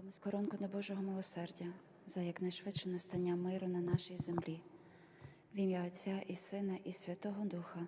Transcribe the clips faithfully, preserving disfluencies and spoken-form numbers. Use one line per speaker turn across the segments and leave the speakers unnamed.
Скоронку до Божого милосердя, за якнайшвидше настання миру на нашій землі. В ім'я Отця і Сина, і Святого Духа.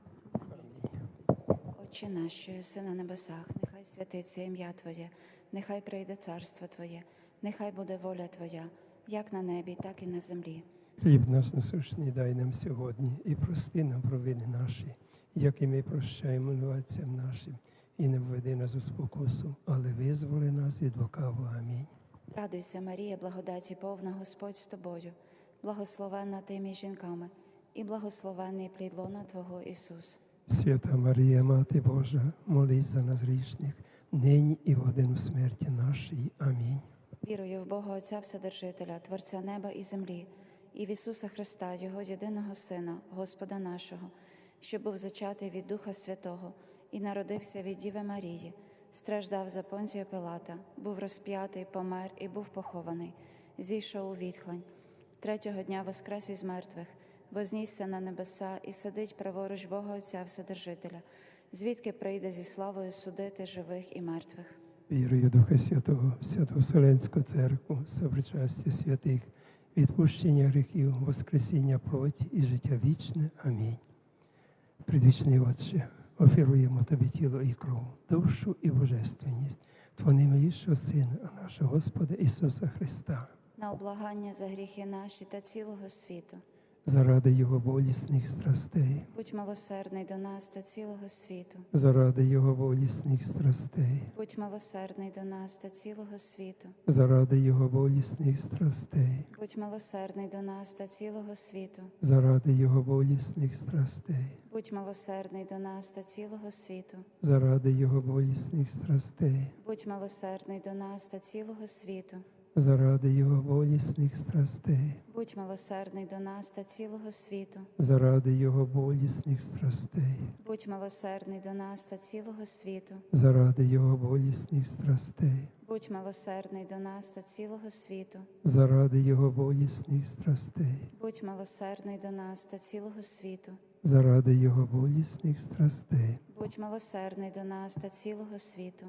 Отче наш, що єси на небесах, нехай святиться ім'я Твоє, нехай прийде царство Твоє, нехай буде воля Твоя, як на небі, так і на землі.
Хліб наш насущний дай нам сьогодні, і прости нам провини наші, як і ми прощаємо винуватцям нашим. І не введи нас у спокусу, але визволи нас від лукавого. Амінь.
Радуйся, Марія, благодаті повна, Господь з тобою, благословенна ти між жінками, і благословенний плід лона Твого, Ісус.
Свята Марія, Мати Божа, молись за нас грішних, нині і в годину смерті нашої. Амінь.
Вірую в Бога Отця Вседержителя, Творця неба і землі, і в Ісуса Христа, Його єдиного Сина, Господа нашого, що був зачатий від Духа Святого і народився від Діви Марії, страждав за Понтія Пилата, був розп'ятий, помер і був похований, зійшов у відхлань. Третього дня воскрес із мертвих, вознісся на небеса і сидить праворуч Бога Отця Вседержителя, звідки прийде зі славою судити живих і мертвих.
Вірую в Духа Святого, Святу Вселенську Церкву, сопричастя святих, відпущення гріхів, воскресіння плоті і життя вічне. Амінь. Предвічний Отче, офіруємо Тобі тіло і кров, душу і божественність Твого наймилішого Сина, а нашого Господа Ісуса Христа.
На облагання за гріхи наші та цілого світу.
Заради Його болісних страстей.
Будь милосердний до нас та цілого світу.
Заради Його болісних страстей.
Будь милосердний до нас та цілого світу.
Заради Його болісних страстей.
Будь милосердний до нас та цілого світу.
Заради Його болісних страстей.
Будь милосердний до нас та цілого світу.
Заради Його болісних страстей.
Будь милосердний до нас та цілого світу.
Заради Його болісних страстей.
Будь милосердний до нас та цілого світу.
Заради Його болісних страстей.
Будь милосердний до нас та цілого світу.
Заради Його болісних страстей.
Будь милосердний до нас та цілого світу.
Заради Його болісних страстей.
Будь милосердний до нас та цілого світу.
Заради Його болісних страстей.
Будь милосердний до нас та цілого світу.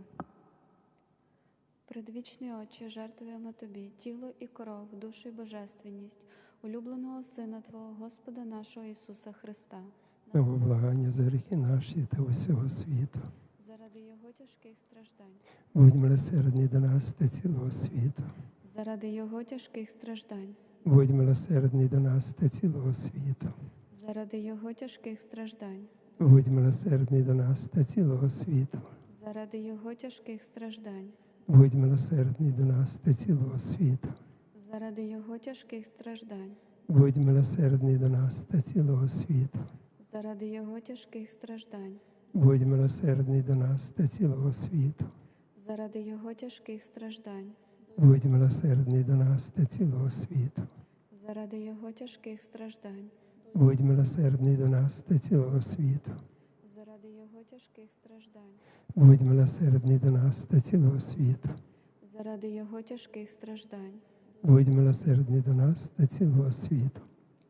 Предвічний Отче, жертвуємо Тобі тіло і кров, душу і божественність улюбленого Сина Твого, Господа нашого Ісуса Христа,
На виблагання за гріхи наші та усього світу.
заради Його тяжких страждань,
Будь милосердний до нас та цілого світу.
заради Його тяжких страждань,
Будь милосердний до нас та цілого світу.
заради Його тяжких страждань,
Будь милосердний до нас та цілого світу.
заради Його тяжких страждань,
Будь милосердний до нас та цілого світу.
заради Його тяжких страждань,
Будь милосердний до нас та цілого світу.
заради Його тяжких страждань,
Будь милосердний до нас та цілого світу.
заради Його тяжких страждань,
Будь милосердний до нас та цілого світу.
заради Його тяжких страждань,
Будь милосердний до нас та цілого світу.
заради Його тяжких страждань,
Будь милосердний до нас та цілого світу.
заради Його тяжких страждань,
Будь милосердний до нас та цілого світу.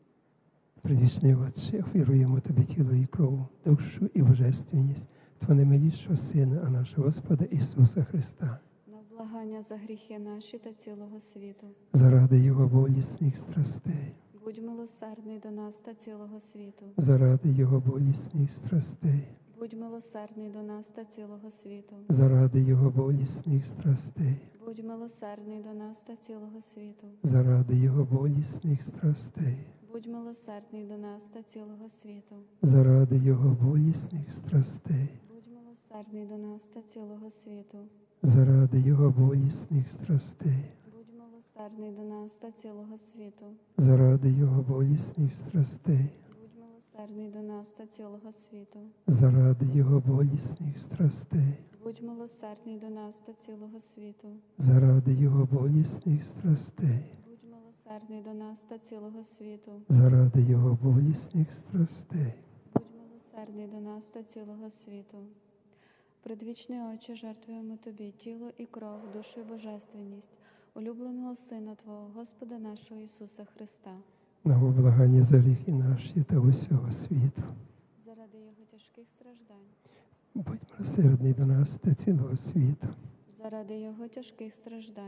Предвічний Отче, офіруємо Тобі тіло і кров, душу і божественність Твого наймилішого Сина, а нашого Господа Ісуса Христа.
на благання за гріхи наші та цілого світу.
Заради Його болісних страстей.
Будь милосердний до нас та цілого світу.
Заради Його болісних страстей.
Будь милосердний до нас та цілого світу.
Заради Його болісних страстей.
Будь милосердний до нас та цілого світу.
Заради Його болісних страстей.
Будь милосердний до нас та цілого світу.
Заради Його болісних страстей.
Будь милосердний до нас та цілого світу.
Заради Його болісних страстей.
Будь милосердний до нас та цілого світу.
Заради Його болісних страстей.
Будь милосердний до нас та цілого світу.
Заради Його болісних страстей.
Будь милосердний до нас та цілого світу.
Заради Його болісних страстей.
Будь милосердний до нас та цілого світу.
Заради Його болісних страстей.
Будь милосердний до нас та цілого світу. Предвічний Отче, жертвуємо Тобі тіло і кров, душу і божественність улюбленого Сина Твого, Господа нашого Ісуса Христа,
На виблагання за гріхи наші та усього світу.
заради Його тяжких страждань,
Будь милосердний до нас та цілого світу.
заради Його тяжких страждань,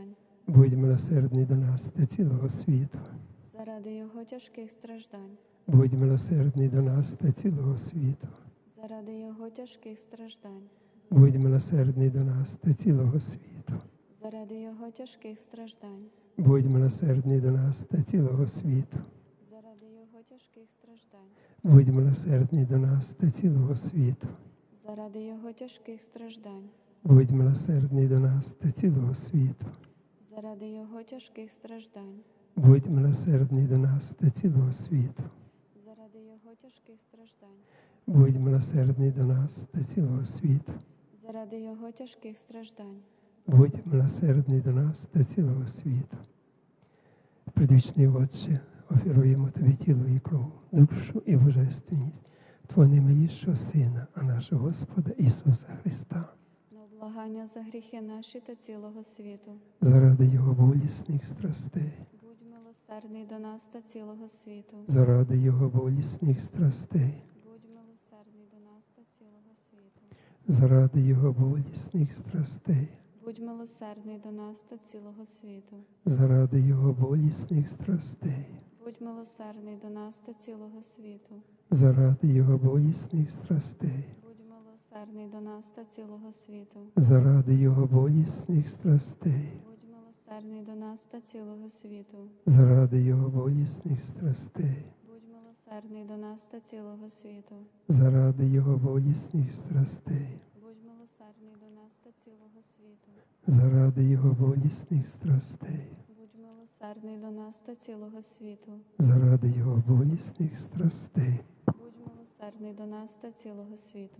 Будь милосердний до нас та цілого світу.
заради Його тяжких страждань,
Будь милосердний до нас та цілого світу.
заради Його тяжких страждань,
Будь милосердний до нас та цілого світу.
заради Його тяжких страждань,
Будь милосердний до нас та цілого світу.
заради Його тяжких страждань,
Будь милосердний до нас та цілого світу.
заради Його тяжких страждань,
Будь милосердний до нас та цілого світу.
заради Його тяжких страждань,
Будь милосердний до нас та цілого світу.
заради Його тяжких страждань,
Будь милосердний до нас та цілого світу.
заради Його тяжких страждань,
Будь милосердний до нас та цілого світу. Предвічний Отче, оферуємо Тобі тіло і кров, душу і божественність Твого наймилішого Сина, а нашого Господа Ісуса Христа,
на облагання за гріхи наші та цілого світу.
заради Його болісних страстей,
Будь милосердний до нас та цілого світу.
заради Його болісних страстей,
Будь милосердний до нас та цілого світу.
заради Його болісних страстей,
Будь милосердний до нас та цілого світу.
заради Його болісних страстей,
Будь милосердний до нас та цілого світу.
заради Його болісних страстей,
Будь милосердний до нас та цілого світу.
заради Його болісних страстей,
Будь милосердний до нас та цілого світу.
заради Його болісних страстей,
Будь милосердний до нас та цілого світу.
заради Його болісних страстей,
Будь милосердний до нас та цілого світу.
заради Його болісних страстей,
Будь милосердний до нас та цілого світу.
заради Його болісних страстей.
Будь милосердний до нас та цілого світу.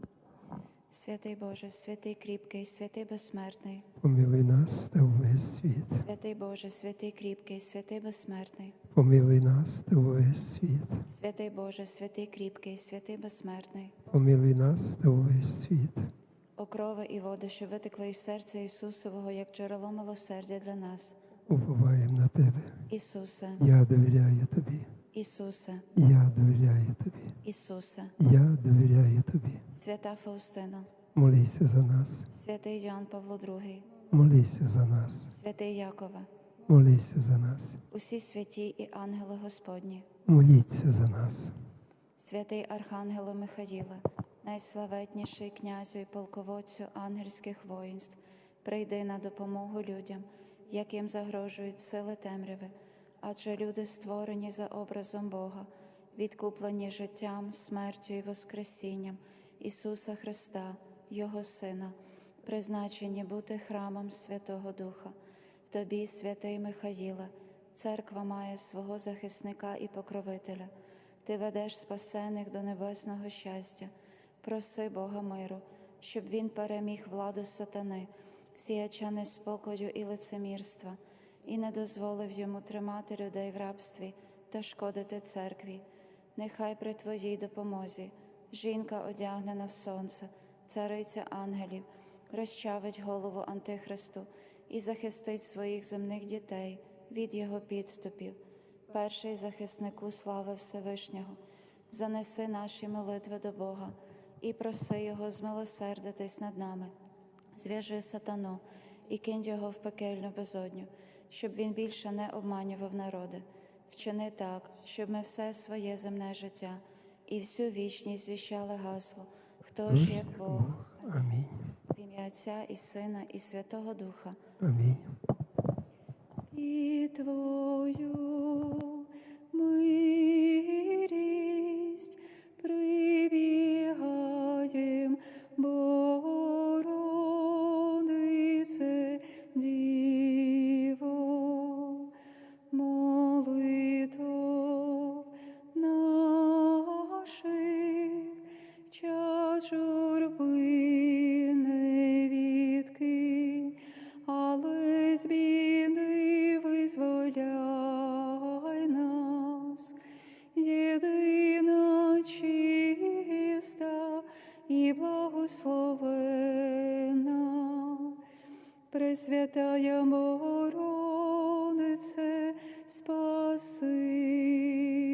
Святий Боже, святий кріпкий, святий безсмертний.
Помилуй нас та увесь світ.
Святий Боже, святий кріпкий, святий безсмертний.
Помилуй нас та увесь світ.
Святий Боже, святий кріпкий, святий безсмертний.
Помилуй нас та увесь світ.
О крови і води, що витекли із серця Ісусового, як джерело милосердя для нас.
Уповаємо на Тебе.
Ісусе,
Я довіряю Тобі.
Ісусе,
Я довіряю Тобі.
Ісусе.
Я довіряю Тобі.
Свята Фаустина,
Молися за нас.
святий Йоанн Павло другий,
Молися за нас.
святий Якове,
Молися за нас.
усі святі і ангели Господні,
Моліться за нас.
святий Архангеле Михаїле, найславетніший князю і полководцю ангельських воїнств, прийди на допомогу людям, яким загрожують сили темряви, адже люди створені за образом Бога, відкуплені життям, смертю і воскресінням Ісуса Христа, Його Сина, призначені бути храмом Святого Духа. Тобі, святий Михаїле, церква має свого захисника і покровителя. Ти ведеш спасених до небесного щастя. Проси Бога миру, щоб він переміг владу сатани, сіяча неспокою і лицемірства, і не дозволив йому тримати людей в рабстві та шкодити церкві. Нехай при Твоїй допомозі жінка, одягнена в сонце, цариця ангелів, розчавить голову Антихристу і захистить своїх земних дітей від його підступів. Перший захиснику слави Всевишнього, занеси наші молитви до Бога і проси Його змилосердитись над нами. Зв'яжи сатану і кинь його в пекельну безодню, щоб він більше не обманював народи. Вчини так, щоб ми все своє земне життя і всю вічність звіщали гасло «Хто ж як Бог?»
Амінь.
В ім'я Отця і Сина і Святого Духа.
Амінь.
І Твою милість прибігаєм, Богородице, Діво, молитов наших, час журби не відкинь, але з біди визволяй нас, єдина чиста і благословена, Пресвятая Богородице, спаси